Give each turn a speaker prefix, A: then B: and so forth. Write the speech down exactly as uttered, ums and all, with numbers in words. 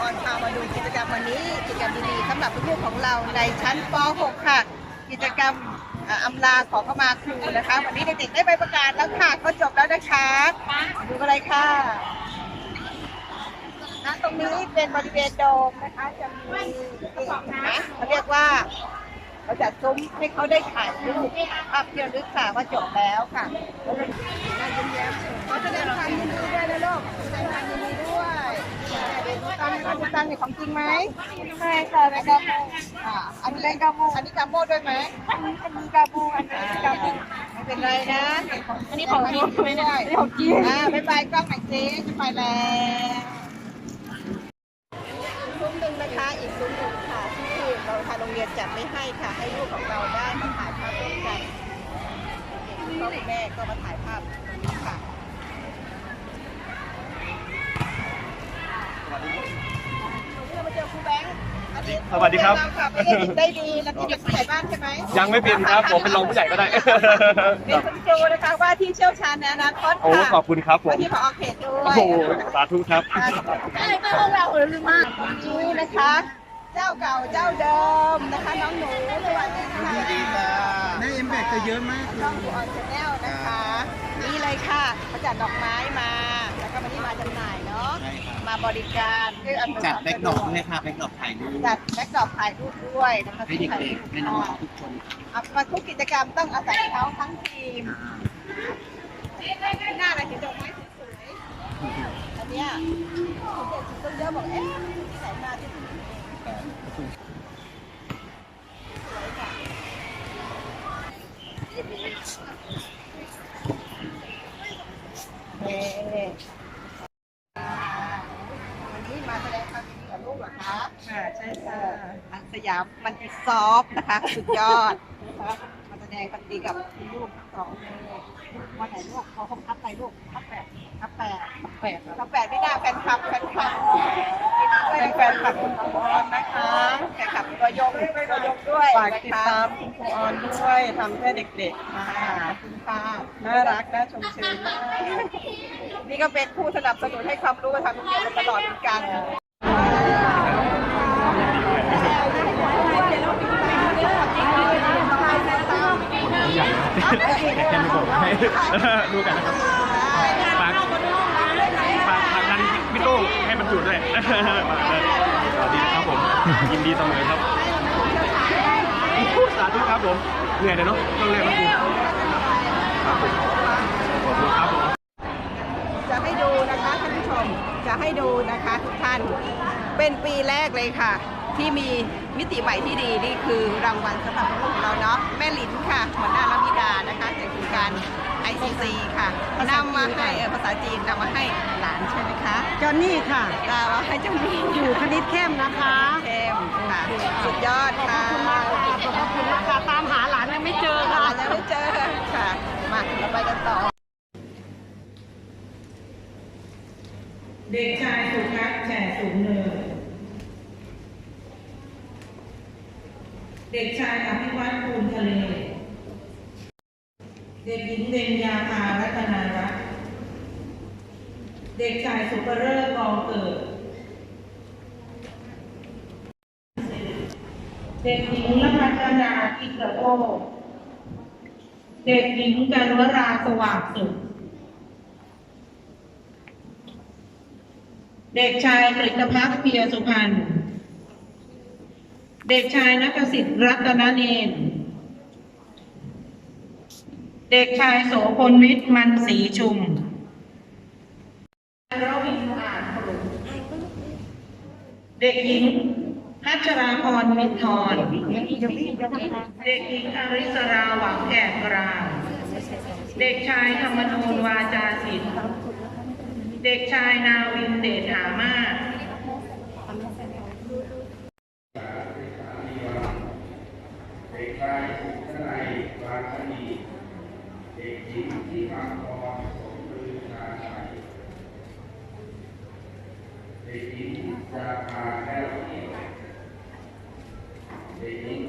A: ออนพามาดูกิจกรรมวันนี้กิจกรรมดีๆสำหรับลูกๆของเราในชั้นป หก ค่ะกิจกรรมอำลาขอเข้ามาครูนะคะวันนี้เด็กๆได้ใบประกาศแล้วค่ะก็จบแล้วนะคะดูอะไรค่ะณตรงนี้เป็นบริเวณโดมนะคะจะมีนะเขาเรียกว่าเขาจัดซุ้มให้เขาได้ถ่ายรูปภาพเที่ยวลึกค่ะว่าจบแล้วค่ะขอแสดงความยินดีด้วยนะลูกแสดงความยินดีด้วยตังค์ตังค์นี่ของจริงไหมใช่ค่ะเป็นกาโมอ่าอันนี้เป็นกาโมอันนี้กาโมด้วยไหมอันนี้เป็นกาโมอันนี้กาโมไม่เป็นไรนะอันนี้ของจริงไม่ได้ของจริงอ่าบ๊ายบายกล้องหน่อยสิจะไปแล้วซุ้มหนึ่งนะคะอีกซุ้มหนึ่งค่ะที่เราทางโรงเรียนจัดไม่ให้ค่ะให้ลูกของเราได้มาถ่ายภาพร่วมกันพ่อคุณแม่ก็มาถ่ายภาพค่ะเรามาเจอครูแบงค์
B: สวัสดีครับ
A: ไม่ได้ได้ดีแล้วที่เด็กผู้ใหญ่บ้านใช่ไหม
B: ยังไม่เป็นครับผมเป็นรองผู้ใหญ่ก็ได้
A: เป็นคุณครูนะคะว่าที่เชี่ยวชาญในอนาคตค่ะ
B: โอ้ขอบคุณครับผม
A: ที่ผอ.เขตด้วย
B: โอ้โหสาธุครับ
A: ได้ไม่พวกเราเออลืมมากนี่นะคะเจ้าเก่าเจ้าเดิมนะคะน้องหนูสวัสดีค่ะ
C: สวัสดีค่ะแม่เอ็มแบกจะเยอะมาก
A: ช่องออนชาแนลนะคะนี่เลยค่ะเขาจัดดอกไม้มาแล้วก็วันนี้มาจำหน่ายเนาะมาบริการ
C: จัดแบ็กดรอปด้วยค่ะแบ็กดรอปถ่ายรูป
A: จัดแบ็กดรอปถ่ายรูปด้วยนะคะ
C: ให้เด็กๆให้น้องๆทุกคน
A: มาทุกกิจกรรมต้องอาศัยเขาทั้งทีมหน้าอะไรเห็นดอกไม้สวยๆอันเนี้ยเด็กๆต้องเยอะบอกเอ๊ะที่ไหนมาที่นี่เอ๊ะวันนี้มาแสดงความยินดีกับลูกเหรอคะค่ะใช่ค่ะอันสยามมันติซอฟนะคะสุดยอดนะคะมาแสดงความดีกับลูกทั้งสองเลยวันไหนลูกเขาคงทับไปลูกทับแปดทับแปดทับแปดทับแปดไม่น่าแฟนคลับแฟนคลับเป็นแฟนคลับคุณครูออนนะคะแฟนคลับตัวยงตัวยงด้วย
D: ฝากติดตามคุณครูออนด้วยทำเพื่อเด็กๆค่ะ
A: คุณป้า
D: น่ารักน่าชมเชยมาก
A: นี่ก็เป็นผู้สนับสนุนให้ความรู้กับทางโรงเรียนมาตลอดเหมือนกัน
B: แค่ไม่บอกให้ดูกันนะครับฝากฝากทางนั้นพี่โต้งให้มันอยู่ด้วยสวัสดีครับผมยินดีเสมอครับสาธุครับผมเหนื่อยเลยเนาะต้องเรียนนะครูครับผมขอบคุณครับผม
A: จะให้ดูนะคะท่านผู้ชมจะให้ดูนะคะทุกท่านเป็นปีแรกเลยค่ะที่มีมิติใหม่ที่ดีนี่คือรางวัลสำหรับลูกเราเนาะแม่หลินค่ะหัวหน้าลมิดานะคะจากโครงการ ไอ ซี ซี ค่ะนำมาให้ภาษาจีนนำมาให้หลานใช่ไหมคะ
D: จอนนี่ค่ะ
A: นำมาให้เจ้านี่
D: อยู่คณิตเข้มนะคะ
A: เข้มค่ะสุดยอดค่ะ
D: ขอบคุณมากขอบคุณมากค่ะตามหาหลานยังไม่เจอค่ะ
A: ยังไม่เจอค่ะมาเราไปกันต่อ
E: เด็กชายสุทัศน์แฉสูงเนินเด็กชายอภิวัตภูมิทะเลเด็กหญิงเบญญาภารัตนารัตน์เด็กชายสุภเริศกองเกิดเด็กหญิงละพัฒนาอิกระโอเด็กหญิงกันวราสว่างสุขเด็กชายกฤษภักดิ์เพียรสุพรรณเด็กชายณกสิทธิ์รัตนเนนเด็กชายโสพลวิทย์มันศรีชุมรวินอ่านพลุเด็กหญิงพัชราพรมิตรทรเด็กหญิงอริสราหวังแก่กลางเด็กชายธรรมนูญวาจาศิลป์เด็กชายนาวินเดชหามาศ
F: เด็กชายสุขนัยวาชนีเด็กหญิงที่มังกรสมฤชาชัยเด็กหญิงจาภาแก้วเอียดเด็กหญิง